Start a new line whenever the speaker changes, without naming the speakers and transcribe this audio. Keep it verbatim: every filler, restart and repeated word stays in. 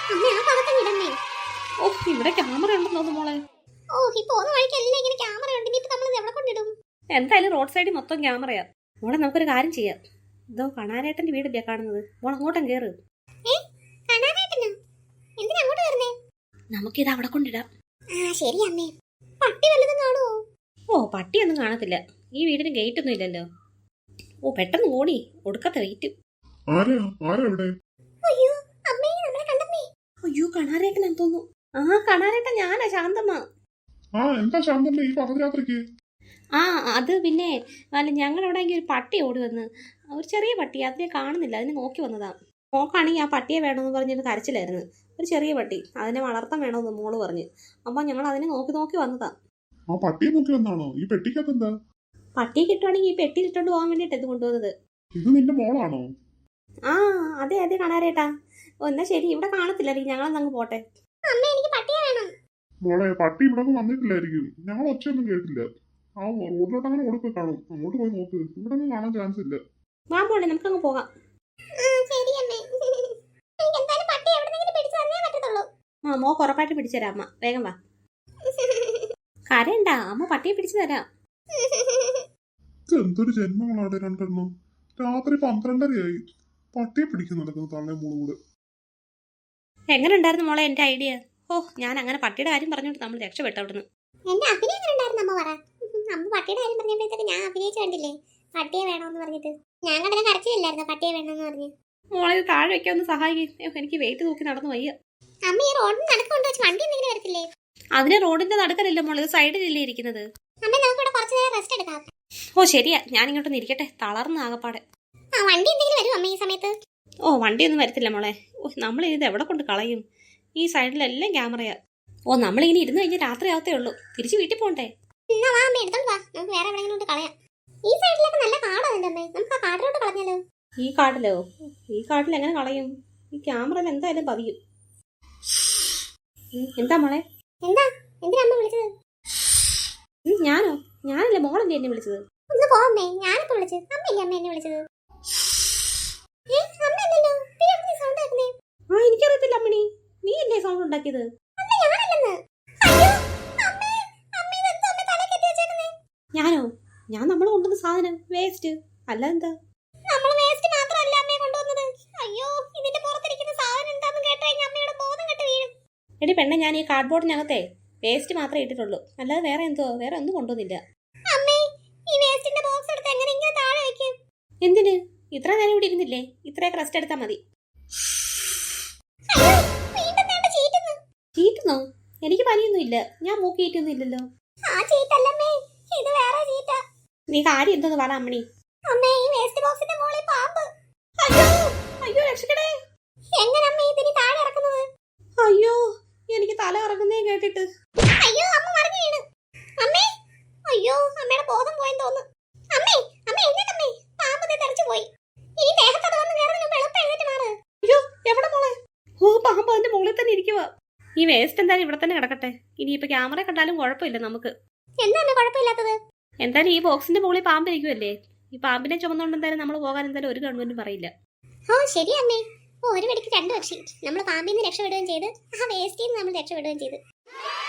അമ്മേ ആ ഭാഗത്തങ്ങ് ഇടന്നേ.
ഓ ഇവിടെ ക്യാമറ ഉണ്ടെന്ന് തോന്നുന്നു മോളെ.
ഓ ഈ പോകുന്ന വഴിക്കെല്ലാം ഇങ്ങനെ ക്യാമറ ഉണ്ട്. ഇനിയിപ്പോ നമ്മൾ ഇത് എവിടെ കൊണ്ടിടും?
എന്തായാലും റോഡ് സൈഡിൽ മൊത്തം ക്യാമറയാ. മോളെ നമുക്കൊരു കാര്യം ചെയ്യാം. ഇതോ കണാരേട്ടന്റെ വീടില്ലേ കാണുന്നത്, മോൾ അങ്ങോട്ടും കേറ്.
ഏ കണാരേട്ടനോ? എന്തിനാ അങ്ങോട്ട് വരുന്നേ?
നമുക്കിത് അവിടെ കൊണ്ടിടാം.
ആ ശരി അമ്മേ. പട്ടി വല്ലതും കാണുമോ?
ഓ പട്ടിയൊന്നും കാണത്തില്ല, ഈ വീടിന് ഗേറ്റ് ഒന്നും ഇല്ലല്ലോ. ഓ പെട്ടെന്ന് ഓടി, ഒടുക്കത്തെ വെയിറ്റ്.
അയ്യോ അമ്മേ നമ്മളെ കണ്ടമ്മേ.
അയ്യോ കണാരേട്ടനാന്ന് തോന്നുന്നു. ആ കണാരേട്ടൻ ഞാനാ, ശാന്തമ്മ.
ആ എന്താ ശാന്തമ്മ ഈ പകരാത്രിക്ക്?
ആ അത് പിന്നെ അല്ല ഞങ്ങളവിടെ ഒരു പട്ടി ഓടി വന്ന്, ഒരു ചെറിയ പട്ടി, അതിനെ കാണുന്നില്ല, അതിനെ നോക്കി വന്നതാ. നോക്കാണെങ്കിൽ ആ പട്ടിയെ വേണമെന്ന് പറഞ്ഞൊരു കരച്ചിലായിരുന്നു. ഒരു ചെറിയ പട്ടി, അതിനെ വളർത്താൻ വേണമെന്ന് മോള് പറഞ്ഞ്. അപ്പം ഞങ്ങൾ അതിനെ നോക്കി നോക്കി വന്നതാ.
ആ പട്ടിയെ നോക്കി വന്നാണോ? ഈ പെട്ടിക്കകത്ത് എന്താ?
പട്ടിയെ കിട്ടുവാണെങ്കിൽ ഈ പെട്ടി ഇട്ടോണ്ട് പോകാൻ വേണ്ടിട്ട് ഇത് കൊണ്ടുവന്നത്.
ഇത് നിന്റെ മോളാണോ?
ആ അതെ അതെ കണാരേട്ടാ. ഓ എന്നാ ശരി, ഇവിടെ കാണത്തില്ല, ഞങ്ങളെന്നങ്ങ് പോട്ടെ.
അമ്മേ എനിക്ക് പട്ടിയെ വേണം.
മോളെ പട്ടി ഇവിടെ വന്നിട്ടില്ലായിരിക്കും, ഞങ്ങൾ ഒച്ചയൊന്നും കേട്ടില്ല. ആ റോഡിലോട്ട് അങ്ങനെ ഓടിപ്പോയി കാണും, അങ്ങോട്ട് പോയി നോക്ക്, ഇവിടെ ഒന്നും കാണാൻ ചാൻസ് ഇല്ല.
വാ മോളെ നമുക്കങ്ങ് പോകാം.
ശരി അമ്മേ. എനിക്ക് എന്തായാലും പട്ടി എവിടെന്നെങ്കിലും പിടിച്ചു തന്നേ പറ്റത്തുള്ളൂ.
ആ മോക്ക് ഉറപ്പായിട്ട് പിടിച്ചു തരാം അമ്മ, വേഗം വാ. കരയണ്ട, അമ്മ പട്ടിയെ പിടിച്ചു തരാം.
എന്തൊരു ജന്മങ്ങളാണ് രണ്ടെണ്ണം. രാത്രി പന്ത്രണ്ടരയായി, പട്ടിയെ പിടിക്കാൻ നടക്കുന്നു തള്ളേ മൂളും കൂടെ.
എങ്ങനെ ഉണ്ടായിരുന്നു മോളെ എന്റെ ഐഡിയ? ഓ ഞാൻ അങ്ങനെ പട്ടിയുടെ കാര്യം പറഞ്ഞോണ്ട് നമ്മൾ രക്ഷപ്പെട്ടു അവിടുന്ന്.
എന്റെ അഭിനയം എങ്ങനെ ഉണ്ടായിരുന്നു അമ്മ പറ. അമ്മ പട്ടിയുടെ കാര്യം പറഞ്ഞപ്പോഴത്തേക്ക് ഞാൻ അഭിനയിച്ചു കണ്ടില്ലേ, പട്ടിയെ വേണമെന്ന് പറഞ്ഞിട്ട്. ഞാൻ കണ്ടത് കരച്ചില്ലായിരുന്നു പട്ടിയെ വേണമെന്ന് പറഞ്ഞ്.
മോളെ താഴെ വെക്കാൻ ഒന്ന് സഹായിക്കും, എനിക്ക് വെയിറ്റ് തൂക്കി നടന്നു വയ്യ.
അമ്മ ഈ റോഡിന് നടക്കൊണ്ട് വെച്ച് വണ്ടി എന്തെങ്കിലും വരത്തില്ലേ?
അതിന് റോഡിന്റെ നടക്കലല്ല മോളെ, സൈഡിലല്ലേ ഇരിക്കുന്നത്.
അമ്മ നമുക്ക് ഇവിടെ കുറച്ചു നേരം റെസ്റ്റ് എടുക്കാം.
ഓ ശരിയാ, ഞാൻ ഇങ്ങോട്ടൊന്ന് ഇരിക്കട്ടെ, തളർന്ന ആകപ്പാടെ.
ആ വണ്ടി എന്തെങ്കിലും വരും അമ്മ ഈ സമയത്ത്?
ഓ വണ്ടിയൊന്നും വരത്തില്ല മോളെ. ഓ നമ്മൾ ഇത് എവിടെ കൊണ്ട് കളയും, ഈ സൈഡിലെല്ലാം ക്യാമറയാ. ഓ നമ്മളിങ്ങനെ ഇരുന്ന് കഴിഞ്ഞാൽ രാത്രി ആവത്തേ ഉള്ളൂ, തിരിച്ച് വീട്ടിൽ പോകണ്ടേ.
എന്നാ വാ അമ്മ എടുത്തോണ്ട് വാ, നമുക്ക് വേറെ എവിടെയെങ്കിലും കളയാം. ഈ സൈഡിലൊക്കെ നല്ല കാടാണ് അമ്മേ, നമുക്ക് ആ കാട്ടിലോട്ട് കളഞ്ഞാലോ?
ഈ കാട്ടിലോ? ഈ കാട്ടിൽ എങ്ങനെ കളയും, ഈ ക്യാമറയിൽ എന്തായാലും പതിയും. എന്താ മോളെ?
എന്താ എന്തിനാ അമ്മ വിളിച്ചത്?
ഞാനോ? ഞാനല്ലേ, മോളല്ലേ എന്നെ വിളിച്ചത്.
ഒന്ന് പോ അമ്മേ, ഞാനിപ്പോ വിളിച്ചത് അമ്മയല്ലേ അമ്മ എന്നെ വിളിച്ചത്.
ആ എനിക്കറിയത്തില്ല അമ്മണി, നീ എന്നെ സൗണ്ട് ഉണ്ടാക്കിയത്. ഞാനോ? ഞാൻ നമ്മൾ കൊണ്ടുവന്ന സാധനം വേസ്റ്റ് അല്ല. എന്താ എടി പെണ്ണെ, ഞാൻ ഈ കാർഡ്ബോർഡിനകത്തെ വേസ്റ്റ് മാത്രമേ ഇട്ടിട്ടുള്ളൂ, അല്ലാതെ വേറെ എന്തോ വേറെ ഒന്നും കൊണ്ടുവന്നില്ല. എന്തിന്? ഇത്ര നേരം ഇവിടെ ഇരുന്നില്ലേ, ഇത്രയൊക്കെ റെസ്റ്റ് എടുത്താൽ മതി. ചീറ്റുന്നോ? എനിക്ക് പനിയൊന്നും ഇല്ല, ഞാൻ മൂക്കിയിട്ടൊന്നും ഇല്ലല്ലോ. നീ കാര്യം എന്തോന്ന് പറ അമ്മണി. അയ്യോ രക്ഷിക്കണേ. അയ്യോ എനിക്ക് തല ഇറങ്ങുന്നേ കേട്ടിട്ട്.
അയ്യോ അമ്മ മറിഞ്ഞു വീണു. അമ്മേ അയ്യോ അമ്മയുടെ ബോധം പോയെന്ന് തോന്നുന്നു. അമ്മേ അമ്മേ എഴുന്നേറ്റമ്മേ, പാമ്പ് തെറിച്ചു പോയി. ഈ ദേഹത്തോട് വന്ന് കേറുന്നതിന് എളുപ്പം എഴുന്നേറ്റ് മാറ്.
അയ്യോ എവിടെ മോളെ? ഓ പാമ്പ് അതിന്റെ മുകളിൽ തന്നെ ഇരിക്കുക. ഈ വേസ്റ്റ് എന്തായാലും ഇവിടെ തന്നെ കിടക്കട്ടെ, ഇനിയിപ്പോ ക്യാമറ കണ്ടാലും കുഴപ്പമില്ല നമുക്ക്.
എന്താണ് കുഴപ്പമില്ലാത്തത്?
എന്തായാലും ഈ ബോക്സിന്റെ മുകളിൽ പാമ്പ് ഇരിക്കുമല്ലേ, ഈ പാമ്പിനെ ചുമന്നുകൊണ്ട് എന്തായാലും നമ്മൾ പോകാൻ എന്തായാലും ഒരു ഗവൺമെന്റും പറയില്ല.
ഓ ശരി അമ്മേ. ഓ ഒരു വെടിക്ക് രണ്ടു പക്ഷി, നമ്മൾ പാമ്പിൽ നിന്ന് രക്ഷപ്പെടുകയും ചെയ്ത് ആ വേസ്റ്റിൽ നിന്ന് നമ്മൾ രക്ഷപ്പെടുകയും ചെയ്ത്.